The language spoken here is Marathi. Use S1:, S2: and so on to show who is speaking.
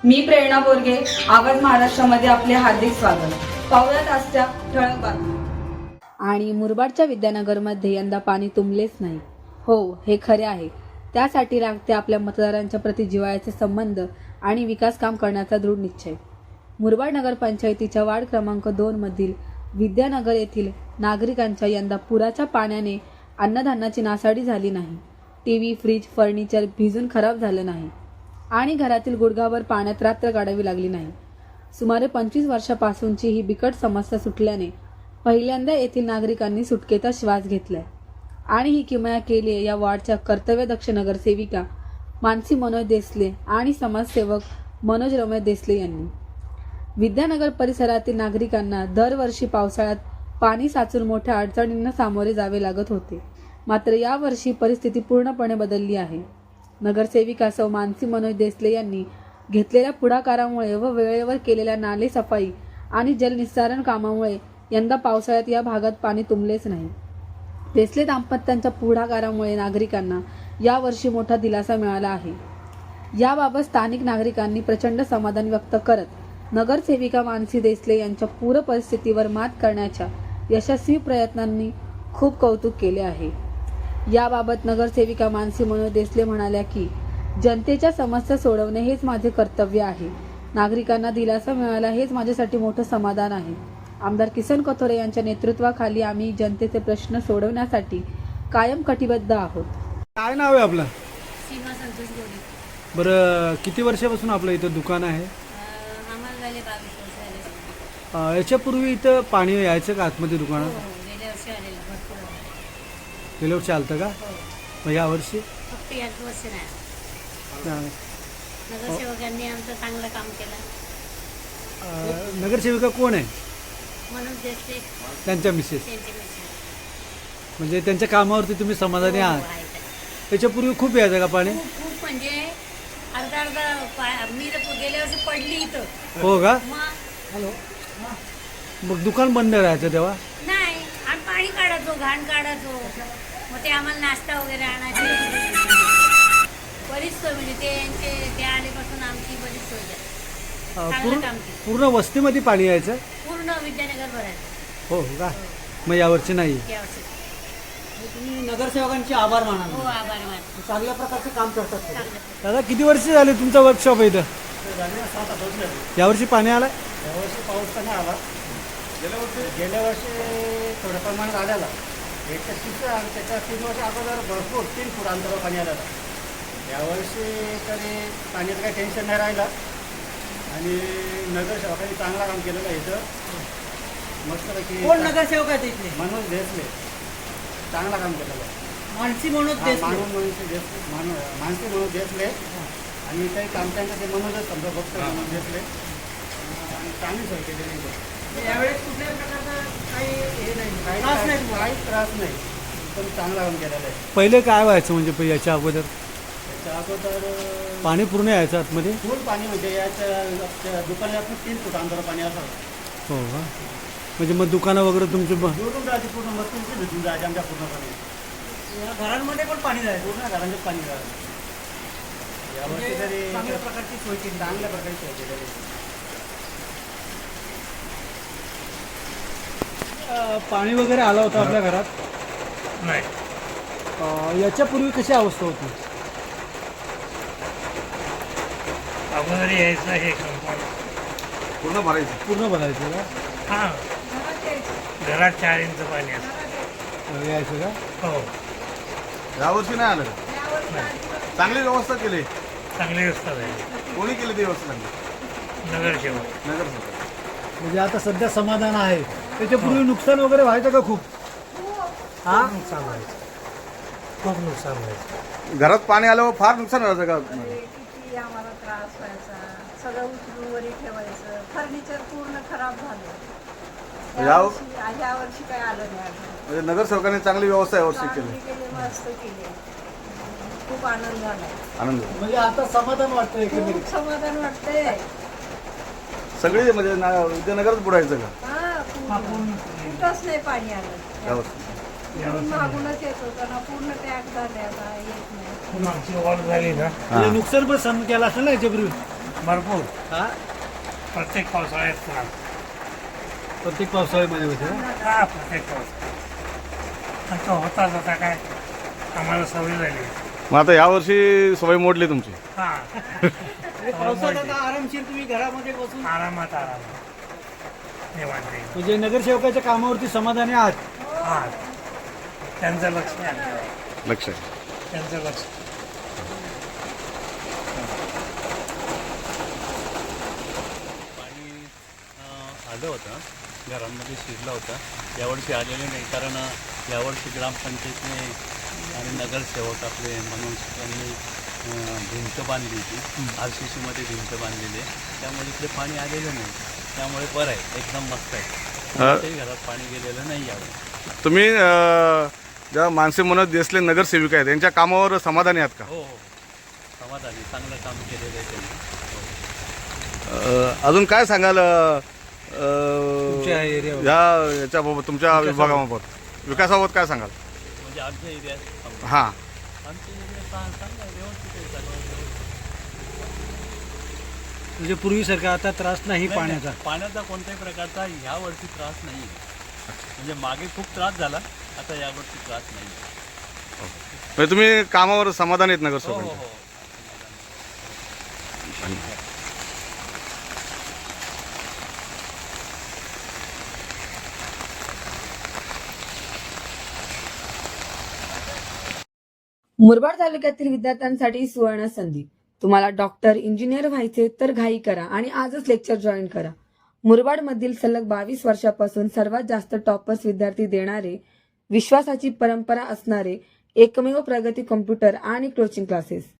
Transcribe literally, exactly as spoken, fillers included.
S1: मी प्रेरणा बोरगे, आवाज महाराष्ट्रामध्ये आपले हार्दिक स्वागत. पाहुयात आजच्या ठळक बातम्या.
S2: आणि मुरबाडच्या विद्यानगरमध्ये यंदा पाणी तुंबलेच नाही. हो, हे खरे आहे. त्यासाठी लागते आपल्या मतदारांच्या प्रति जिव्हाळ्याचे संबंध आणि विकास काम करण्याचा दृढ निश्चय. मुरबाड नगरपंचायतीच्या वार्ड क्रमांक दोन मधील विद्यानगर येथील नागरिकांच्या यंदा पुराच्या पाण्याने अन्नधान्याची नासाडी झाली नाही. टीव्ही, फ्रीज, फर्निचर भिजून खराब झालं नाही आणि घरातील गुडघाभर पाण्यात रात्र काढावी लागली नाही. सुमारे पंचवीस वर्षापासूनची ही बिकट समस्या सुटल्याने पहिल्यांदा येथील नागरिकांनी सुटकेचा श्वास घेतलाय आणि ही किमया केली आहे या वॉर्डच्या कर्तव्यदक्ष नगरसेविका मानसी मनोज देसले आणि समाजसेवक मनोज रमेश देसले यांनी. विद्यानगर परिसरातील नागरिकांना दरवर्षी पावसाळ्यात पाणी साचून मोठ्या अडचणींना सामोरे जावे लागत होते. मात्र यावर्षी परिस्थिती पूर्णपणे बदलली आहे. नगरसेविका सौ मानसी मनोज देसले यांनी घेतलेल्या पुढाकारामुळे व वेळेवर केलेल्या नाले सफाई आणि जलनिस्सारण कामामुळे यंदा पावसाळ्यात या भागात पाणी तुंबलेच नाही. देसले दाम्पत्यांच्या पुढाकारामुळे नागरिकांना यावर्षी मोठा दिलासा मिळाला आहे. याबाबत स्थानिक नागरिकांनी प्रचंड समाधान व्यक्त करत नगरसेविका मानसी देसले यांच्या पूर परिस्थितीवर मात करण्याच्या यशस्वी प्रयत्नांनी खूप कौतुक केले आहे. याबाबत नगरसेविका मानसी मनोज देसले म्हणाल्या की जनतेच्या समस्या सोडवणे हेच माझे कर्तव्य आहे. नागरिकांना दिलासा मिळाला हेच माझ्यासाठी मोठं समाधान आहे. आमदार किसन कथोरे यांच्या नेतृत्वाखाली आम्ही जनतेचे प्रश्न सोडवण्यासाठी कायम कटिबद्ध आहोत.
S3: काय नाव आहे आपलं?
S4: सीमा संतोष गोडे.
S3: बरं, किती वर्षापासून आपलं इथं दुकान आहे?
S4: आम्हाला झाले बावीस वर्ष झाले.
S3: अं, याच्यापूर्वी इथं पाणी यायचं का आतमध्ये
S4: हो
S3: दुकानात?
S4: हो गेल्या वर्षी आलेलं भरपूर आलं.
S3: गेल्या वर्षी आलतं का?
S4: हो
S3: मग यावर्षी?
S4: फक्त याच वर्षी नाही.
S3: नाही.
S4: नगरसेवकांनी आमचं चांगलं काम केलं.
S3: अं, नगरसेविका कोण आहे?
S4: म्हणून देसले
S3: त्यांच्या मिसेस.
S4: त्यांचे मिस्टर.
S3: म्हणजे त्यांच्या कामावरती तुम्ही समाधानी
S4: हो,
S3: आहात?
S4: आहे ते.
S3: त्याच्यापूर्वी खूप यायचं का पाणी?
S4: खूप खूप म्हणजे अर्धा अर्धा पा- मी तर गेल्या वर्षी पडली इथं.
S3: हो का?
S4: मग
S3: मग दुकान बंद राहायचं तेव्हा?
S4: नाही, आम्ही पाणी काढायचो, घाण काढायचो. मग ते आम्हाला नाश्ता वगैरे आणायचे. बरीच सोय म्हणजे ते यांचे ते आल्यापासून आमची बरीच सोय झाली.
S3: अं,
S4: चांगलं
S3: पूर्ण
S4: काम केलं.
S3: पूर्ण वस्तीमध्ये पाणी यायचं?
S4: पूर्ण विद्यानगर भरायचं
S3: हो का? मग यावर्षी नाही?
S4: यावर्षी.
S5: तुम्ही नगरसेवकांचे आभार माना.
S4: हो, आभार मानतो.
S5: चांगल्या प्रकारचे काम करतात ते.
S4: चांगलं.
S3: दादा, किती वर्ष झाले तुमचा वर्कशॉप आहे इथं?
S5: सात आठ वर्ष झाली.
S3: यावर्षी पाणी आलं?
S5: यावर्षी पाऊस तर नाही आला. गेल्या वर्षी गेल्या वर्षी थोड्या प्रमाणात आलेला. एकशे तीस आणि त्याच्या तीन वर्ष अगोदर भरपूर तीन फूट अंतरावर पाणी आलेलं. यावर्षी तरी पाण्याचं काही टेन्शन नाही राहिलं आणि नगरसेवकांनी चांगला काम केलेलं आहे इथं. मस्तपैकी
S6: कोण नगरसेवक आहेत इथले?
S5: मनोज देसले चांगला काम केलेलं आहे.
S6: मानसी मनोज
S5: हा,
S6: देसले.
S5: मानून मनोज देसले मान मानसी मनोज देसले आणि काही काम त्यांचं ते मनोजच समजा फक्त मनोज देसले आणि चांगली सोय केलेली आहे.
S6: यावेळेस कुठल्याही प्रकारचा काही हे नाही,
S5: काही
S6: त्रास नाही तुम्हाला?
S5: काही त्रास नाही, पण चांगला काम केलेलं आहे.
S3: पहिले काय व्हायचं म्हणजे प- याच्या अगोदर?
S5: त्याच्या अगोदर अं,
S3: पाणी पूर्ण यायचं आतमध्ये?
S5: फुल पाणी म्हणजे याच्या त्या दुकानात तीन फूट अंतर पाणी असावं.
S3: हो का? म्हणजे मग दुकानं वगैरे तुमची ब-
S5: जोडून जायची पूर्ण मस्त भेटून जायचे आमच्या पूर्णपणे.
S6: या घरांमध्ये पण पाणी जायचं.
S5: पूर्ण घरांचे पाणी जायचं. यावर्षी
S6: म्हणजे
S5: तरी
S6: चांगल्या प्रकारची सोय केली.
S5: चांगल्या प्रकारे सोय केलेली आहे.
S3: अं, पाणी वगैरे आलं होतं आपल्या घरात?
S7: नाही.
S3: अं, याच्यापूर्वी कशी अवस्था होती?
S7: अगोदर यायचं हे कंपाऊंड
S3: पूर्ण भरायचं? पूर्ण भरायचं का?
S7: हां घरात चार इंच पाणी असतं.
S3: अं, यायचं का?
S7: हो,
S8: यावर्षी नाही आलं का? चांगली व्यवस्था केली.
S7: चांगली व्यवस्था झाली.
S8: कोणी केली ती व्यवस्था चांगली?
S7: नगरसेवक.
S8: नगरसेवक.
S3: म्हणजे आता सध्या समाधान आहे. त्याच्यापूर्वी नुकसान वगैरे व्हायचं का खूप? हा?
S7: नुकसान व्हायचं, खूप नुकसान व्हायचं.
S8: घरात पाणी आल्यावर फार नुकसान व्हायचं का?
S9: किती आम्हाला त्रास व्हायचा. सगळं उचलून वरी ठेवायचं. फर्निचर पूर्ण खराब झालं.
S8: या
S9: यावर्षी ह्या वर्षी काही आलं नाही अजून.
S8: म्हणजे नगरसेवकांनी चांगली व्यवस्था यावर्षी केली.
S9: चांगली केली, मस्त केली. खूप आनंद झाला.
S8: आनंद झाला.
S3: म्हणजे आता समाधान वाटतं एकंदरीत.
S9: खूप समाधान वाटतंय.
S8: सगळी म्हणजे ना- विद्यानगरच बुडायचं का
S9: हा, पूर्ण. कुठंच नाही पाणी आलं.
S8: यावर्षी?
S9: पूर्ण मागूनच येत होतं ना. पूर्ण पॅक झाले, आता येत नाही.
S7: पण आमची वाढ झाली ना,
S3: म्हणजे नुकसान पण सहन केलं असेल ना याच्यापूर्वी?
S7: भरपूर
S3: हा
S7: प्रत्येक पावसाळ्यात त्रास.
S3: प्रत्येक पावसाळ्यामध्ये होते ना?
S7: हा प्रत्येक पावसाळ्यात आणि तो होताच आता काय आम्हाला सवय झाली.
S8: मग आता यावर्षी सवय मोडली तुमची.
S7: हा
S6: म्हणजे पावसात आता आरामशीर तुम्ही घरामध्ये बसून
S7: आरामात आरामात निवांत येईल.
S3: म्हणजे नगरसेवकाच्या कामावरती समाधानी आहात.
S7: हा त्यांचं लक्ष आहे.
S8: लक्ष आहे.
S7: त्यांचं लक्ष
S10: पाणी अं, आलं होतं घरांमध्ये शिरलं होतं. यावर्षी आलेलं नाही कारण अं, यावर्षी ग्रामपंचायतने आणि नगरसेवक आपले म्हणून त्यांनी अं, भिंत बांधली होती. आर सी सीमध्ये भिंत बांधलेली आहे, त्यामुळे इकडे पाणी आलेलं नाही. त्यामुळे बरं आहे, एकदम मस्त आहे. कोणत्याही घरात पाणी गेलेलं नाही यावेळी.
S8: तुम्ही अं, ज्या मानसी मनोज देसले नगरसेविका आहेत त्यांच्या कामावर समाधानी आहात का?
S10: हो हो समाधानी, चांगलं काम केलेलं आहे त्यांनी.
S8: अं, अजून काय सांगाल अं,
S3: तुमच्या एरियावर.
S8: या याच्याबाबत तुमच्या विभागाबाबत विकासाबाबत काय सांगाल?
S10: म्हणजे आमच्या एरियात
S8: हां
S10: आमच्या एरियात चांगलं आहे, व्यवस्थित आहे सगळं व्यवस्थित.
S3: म्हणजे पूर्वीसारखा आता त्रास नाही
S10: नाही,
S3: पाण्याचा.
S10: नाही, पाण्याचा कोणत्याही प्रकारचा ह्या वर्षी त्रास नाही. म्हणजे मागे खूप त्रास झाला, आता यावर्षी त्रास नाही.
S8: म्हणजे तुम्ही कामावर समाधानी आहेत
S10: हो हो
S8: नगरसेवकांच्या?
S10: हो.
S2: मुरबाड तालुक्यातील विद्यार्थ्यांसाठी सुवर्ण संधी. तुम्हाला डॉक्टर इंजिनियर व्हायचे तर घाई करा आणि आजच लेक्चर जॉईन करा. मुरबाडमधील सलग बावीस वर्षापासून सर्वात जास्त टॉपर्स विद्यार्थी देणारे, विश्वासाची परंपरा असणारे एकमेव प्रगती कॉम्प्युटर आणि कोचिंग क्लासेस.